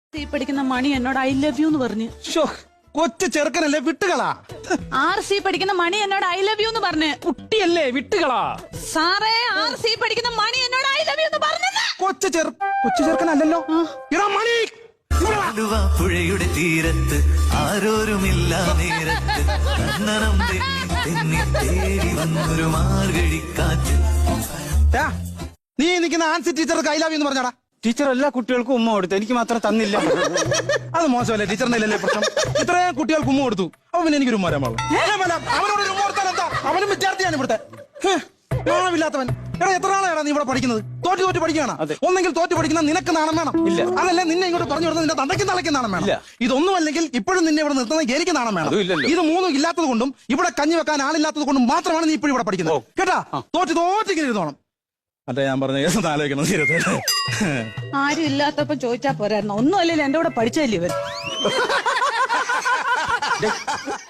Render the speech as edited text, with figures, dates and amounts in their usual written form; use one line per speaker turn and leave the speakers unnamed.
ഈ പഠിക്കുന്ന മണി എന്നോട് ഐ ലവ് യു എന്ന് പറഞ്ഞു.
കൊച്ചു ചെറുക്കനല്ലേ, വിട്ടുകളാ.
RC പഠിക്കുന്ന മണി എന്നോട് ഐ ലവ് യു എന്ന് പറഞ്ഞു.
കുട്ടിയല്ലേ, വിട്ടുകളാ.
സാറേ, RC പഠിക്കുന്ന മണി എന്നോട് ഐ ലവ് യു എന്ന് പറഞ്ഞത്
കൊച്ചു ചെറുക്കനല്ലല്ലോ. എടാ മണി,
പുഴയുടെ തീരത്ത് ആരോരുമില്ല നേരത്ത് കണ്ണനം തെന്നി തേടി വന്നൊരു മാർഗഴിക്കാറ്റ്.
നീ നിൽക്കുന്ന ആൻസി ടീച്ചർക്ക് ഐ ലവ് യു എന്ന് പറഞ്ഞാടാ.
ടീച്ചർ എല്ലാ കുട്ടികൾക്കും ഉമ്മ കൊടുത്തു, എനിക്ക് മാത്രം തന്നില്ല.
അത് മോശമല്ലേ, ടീച്ചറിന്റെ ഇല്ലല്ലേ പ്രശ്നം. ഇത്രയും കുട്ടികൾക്ക് ഉമ്മ കൊടുത്തു, അപ്പൊ പിന്നെ എനിക്കൊരു ഉമ്മ പാടില്ല. അവനോട് ഒരു ഉമ്മ കൊടുത്താൽ എന്താ? അവനും വിദ്യാർത്ഥിയാണ് ഇവിടുത്തെ. നാണമില്ലാത്തവൻ. എടാ, എത്ര നാളെയാണ് നീ ഇവിടെ പഠിക്കുന്നത്? തോറ്റ് പഠിക്കുകയാണ്. ഒന്നെങ്കിൽ തോറ്റ് പഠിക്കുന്ന നിനക്ക് നാണം വേണം.
ഇല്ല,
അതല്ല നിന്നെ ഇങ്ങോട്ട് പറഞ്ഞു കൊടുത്ത നിന്റെ തന്തയ്ക്ക് തലയ്ക്ക് നാണം വേണം. ഇതൊന്നും അല്ലെങ്കിൽ ഇപ്പോഴും നിന്നെ ഇവിടെ നിർത്തുന്നത് എനിക്ക് നാണം വേണം. ഇത് മൂന്നും ഇല്ലാത്തത് കൊണ്ടും ഇവിടെ കഞ്ഞി വെക്കാൻ ആളില്ലാത്തത് കൊണ്ടും മാത്രമാണ് നീ ഇപ്പോഴും ഇവിടെ പഠിക്കുന്നത്. കേട്ടാ, തോറ്റിങ്ങനെ ഇരുന്നോണം. അതെ, ഞാൻ പറഞ്ഞ കേസ് ആലോചിക്കണം.
ആരും ഇല്ലാത്തപ്പോ ചോദിച്ചാ പോരായിരുന്നു. ഒന്നും അല്ലല്ലോ എന്റെ കൂടെ പഠിച്ചല്ലേ ഇവൻ.